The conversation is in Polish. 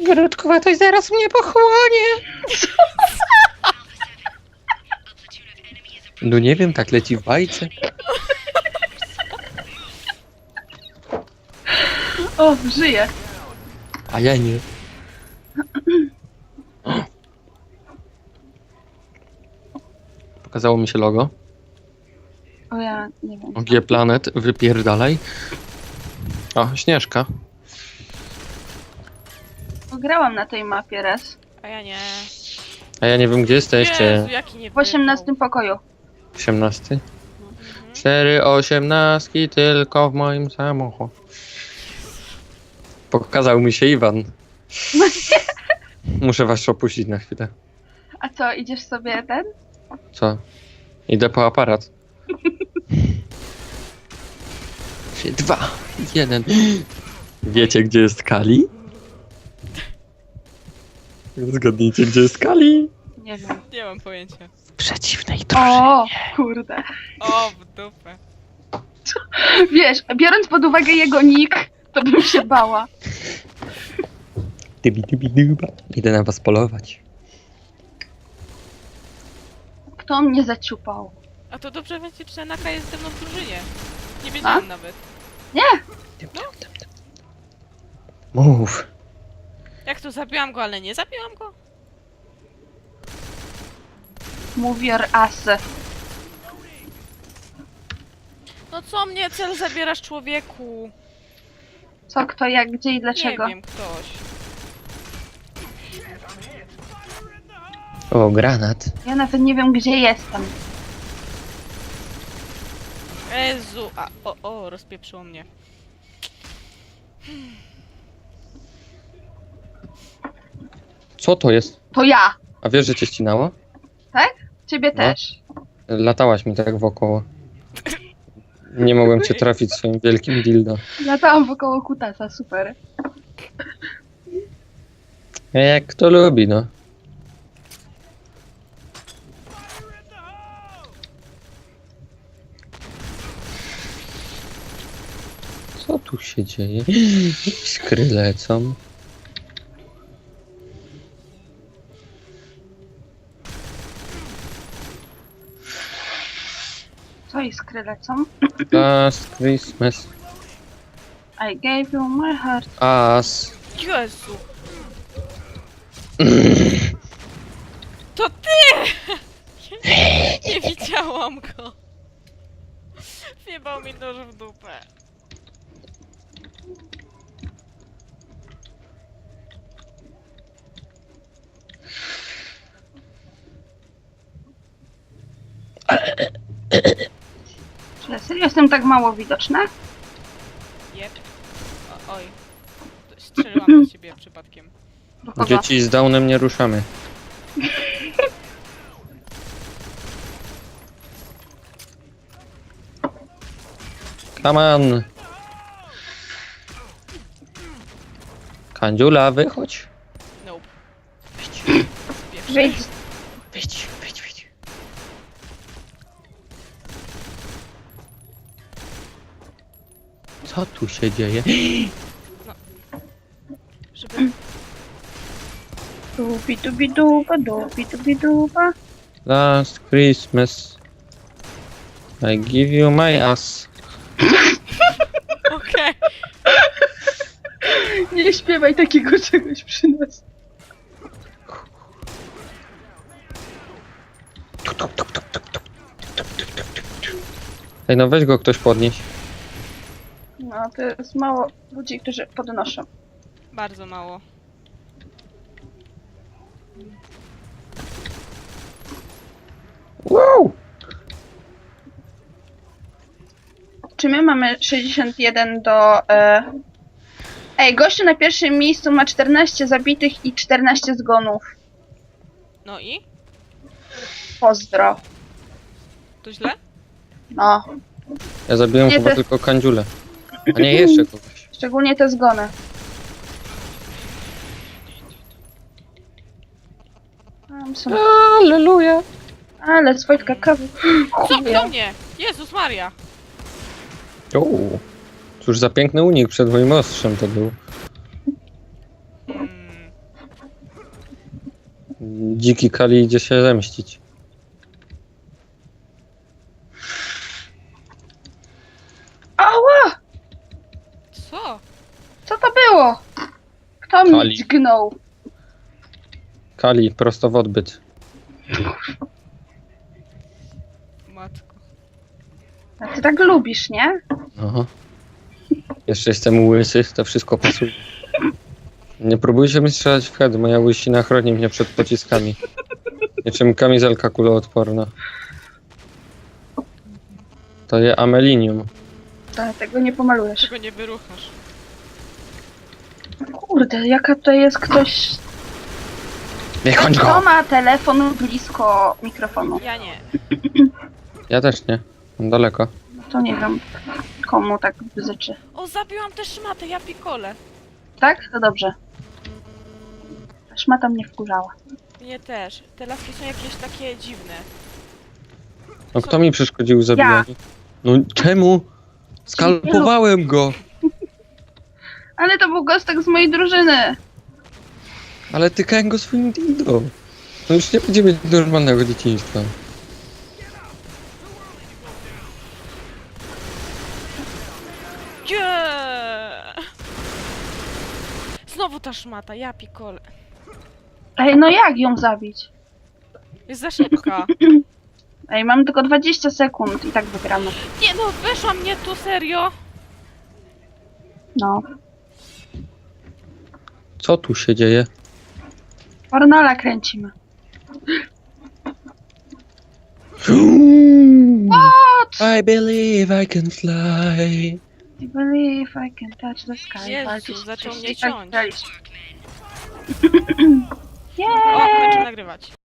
Grudkowatość zaraz mnie pochłonie. No nie wiem, tak leci w bajce. O, żyję. A ja nie. Pokazało mi się logo. O, ja nie wiem. G Planet, wypierdalaj. O, Śnieżka. Grałam na tej mapie raz. A ja nie. A ja nie wiem, gdzie jesteście. Jezu, jaki nie W 18 pokoju. 18. 4 osiemnastki tylko w moim samochodzie. Pokazał mi się Iwan. Muszę was opuścić na chwilę. A co, idziesz sobie ten? Co? Idę po aparat. 3, 2, 1. Wiecie, gdzie jest Kali? Zgadnijcie, gdzie jest Kali? Nie wiem. Nie mam pojęcia. W przeciwnej drużynie. O, kurde. O, w dupę. Wiesz, biorąc pod uwagę jego nick, to bym się bała. Idę na was polować. Kto mnie zaciupał? A to dobrze wiecie, że Naka jest ze mną w drużynie. Nie wiedziałam nawet. Mów. Jak to zabiłam go, ale nie zabiłam go? Move your ass. No co mnie cel zabierasz, człowieku? Co, kto, jak, gdzie i dlaczego? Nie wiem, ktoś. O, granat. Ja nawet nie wiem, gdzie jestem. Jezu, a rozpieprzyło mnie. Co to jest? To ja, A wiesz, że cię ścinało? tak? Ciebie No. też. Latałaś mi tak wokoło. Nie mogłem cię trafić swoim wielkim dildo. Latałam wokoło kutasa, super. Jak kto lubi, no. Co tu się dzieje? Iskry lecą. Co iskry lecą? Last Christmas. I gave you my heart. As. Jezu. To ty! Nie widziałam go. Wjebał mi nóż w dupę. Czy ja serio jestem tak mało widoczna? Jep. Oj. Strzeliłam do ciebie przypadkiem. Do kogo? Dzieci z Downem nie ruszamy. Come on. Kandziula, wychodź. Nope. Wyjdź. Wyjdź, wyjdź, wyjdź. Co tu się dzieje? Żeby... Dubi-dubi-duba. Last Christmas. I give you my ass. Okej. Nie śpiewaj takiego czegoś przy nas. Ej, no weź go ktoś podnieść. No, to jest mało ludzi, którzy podnoszą. Bardzo mało. Wow! Czy my mamy 61 do... Ej, gościu na pierwszym miejscu ma 14 zabitych i 14 zgonów. No i? Pozdro. To źle? No, Ja zabiłem Nie, chyba to- tylko kandziulę. A nie, jeszcze kogoś. szczególnie te zgony. Tam są... Alleluja! Ale Wojtka kawy. Co? Do mnie! Jezus Maria! O, cóż za piękny unik przed moim ostrzem to był. Hmm. Dziki Kali idzie się zemścić. Ała! Co? Co to było? Kto mnie Kali. dźgnął? Kali, prosto w odbyt. Matko. A ty tak lubisz, nie? Aha. Jeszcze jestem łysy, to wszystko pasuje. Nie próbujcie mi strzelać w head, moja łysina chroni mnie przed pociskami. Niczym kamizelka kuloodporna. To je amelinium. Ale tego nie pomalujesz. Czego nie wyruchasz? Kurde, jaka to jest ktoś... Wychodź Kto go! ma telefon blisko mikrofonu? Ja nie. Ja też nie. Mam daleko. No to nie wiem, komu tak bzyczy. O, zabiłam też szmatę, ja pikole. Tak? To dobrze. Ta szmata mnie wkurzała. Mnie też. Te laski są jakieś takie dziwne. No kto mi przeszkodził w zabijaniu? No czemu? Skalpowałem go! Ale to był gostek z mojej drużyny. Ale tykałem go swoim dildo. No już nie będzie mieć normalnego dzieciństwa. Nie! Znowu ta szmata, ja pikole. Ej, no jak ją zabić? Jest za szybka. Ej, mam tylko 20 sekund i tak wygramy. Nie no, weszła mnie tu, serio? No. Co tu się dzieje? Ornala kręcimy. I believe I can fly. I believe I can touch the sky. Jezu, Walczyć, zaczął coś mnie tak ciąć. graliśmy. O, kończę nagrywać.